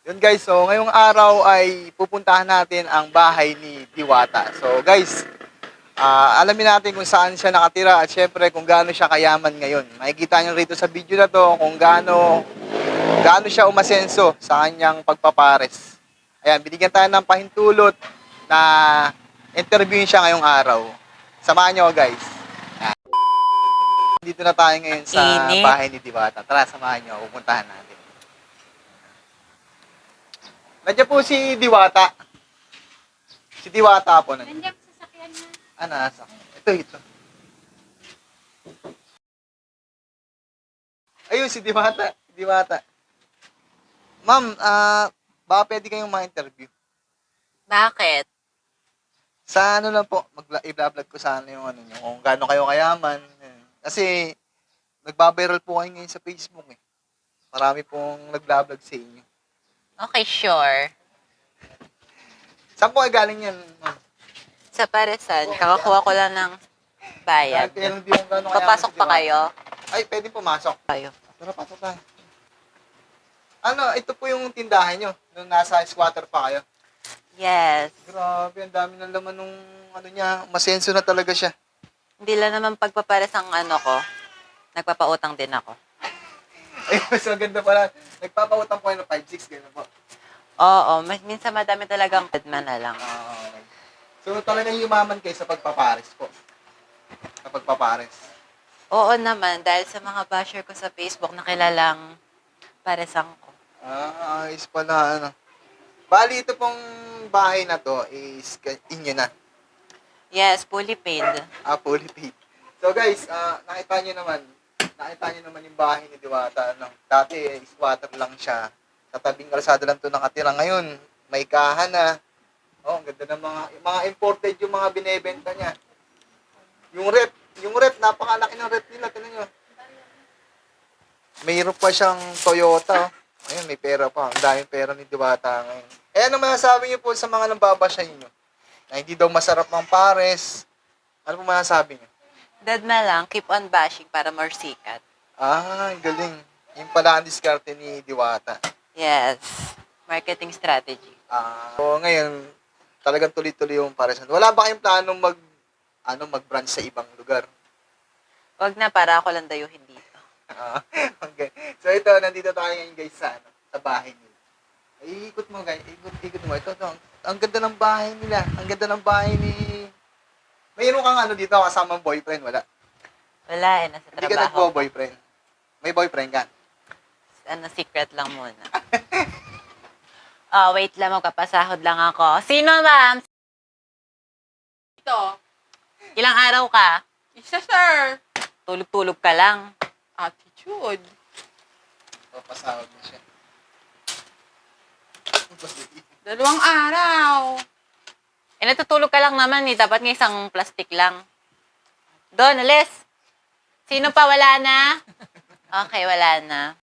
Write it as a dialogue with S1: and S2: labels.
S1: Yun guys, so ngayong araw ay pupuntahan natin ang bahay ni Diwata. So guys, alamin natin kung saan siya nakatira at syempre kung gaano siya kayaman ngayon. Makikita niyo rito sa video na to kung gaano siya umasenso sa kanyang pagpapares. Ayan, binigyan tayo ng pahintulot na interviewin siya ngayong araw. Samahan niyo guys. Dito na tayo ngayon sa
S2: Init.
S1: bahay ni Diwata. Tara, samahan niyo, pupuntahan natin. Nandiyan po si Diwata. Si Diwata po.
S3: Nandiyan sa sasakyan niya.
S1: Nasa. Ito. Ayun, si Diwata. Diwata. Ma'am, baka pwede kayong ma-interview.
S2: Bakit?
S1: Sa ano lang po, i-vlog ko sana yung ano nyo, kung gaano kayo kayaman. Kasi, nagbabiral po kayo ngayon sa Facebook eh. Marami pong nag-vlog sa inyo.
S2: Okay, sure.
S1: Saan po ay galing yan, ma'am?
S2: Sa Paresan, kakakuha ko lang ng bayad.
S1: Kaya hindi yung gaano kayaman
S2: Papasok
S1: si
S2: pa
S1: Diwata.
S2: kayo?
S1: Ay, pwede pumasok.
S2: Kayo.
S1: Tara, pasok tayo. Ano, ito po yung tindahan nyo, nung nasa squatter pa kayo.
S2: Yes.
S1: Grabe, ang dami ng laman nung ano niya, masenso na talaga siya.
S2: Hindi lang naman pagpapares ang ano ko. Nagpapautang din ako.
S1: Ay, mas maganda pala. Nagpapautang po kayo ng 5-6, gano'n po.
S2: Oo, minsan madami talagang man na lang.
S1: Okay. So, talagang yumaman kayo sa pagpapares po. Sa pagpapares.
S2: Oo naman, dahil sa mga basher ko sa Facebook na kilalang paresang ko.
S1: Ayos pala, ano. Bali, ito pong bahay na to is inyo na.
S2: Yes, fully paid.
S1: Fully paid. So guys, nakita nyo naman yung bahay ni Diwata. No? Dati, squatter lang siya. Sa tabing kalsada lang to nakatira. Ngayon, may kahan na. Oh, ang ganda ng mga imported yung mga binebenta niya. Yung rep, napakalaki ng rep nila. Tingnan nyo. Mayroon pa siyang Toyota. Oh. Ayun, may pera pa. Ang daming pera ni Diwata ngayon. Eh, ano masasabi niyo po sa mga nambabasya niyo? Na hindi daw masarap ng pares. Ano po masasabi niyo?
S2: Dad na lang, keep on bashing para more sikat.
S1: Galing. Yung pala ang diskarte ni Diwata.
S2: Yes. Marketing strategy.
S1: So ngayon, talagang tuloy-tuloy yung paresan. Wala ba kayong planong mag-branch sa ibang lugar?
S2: Wag na, para ako lang dayuhin dito.
S1: Okay. So ito, nandito tayo ngayon guys sa bahay nila. Ay, ikot mo guys. Ikot mo. Ito. Ang ganda ng bahay nila. Ang ganda ng bahay ni... Mayroon kang ano dito, kasamang boyfriend, wala?
S2: Wala eh, nasa
S1: Hindi ka
S2: trabaho.
S1: nagbo-boyfriend. May boyfriend ka?
S2: Secret lang muna. Oh, wait lang, magpapasahod lang ako. Sino, ma'am?
S3: Ito.
S2: Ilang araw ka?
S3: Isa, sir.
S2: Tulog-tulog ka lang.
S3: Attitude.
S1: Papasahod na siya.
S3: 2 araw.
S2: Eh, natutulog ka lang naman eh. Dapat nga isang plastic lang. Doon, alis. Sino pa? Wala na? Okay, wala na.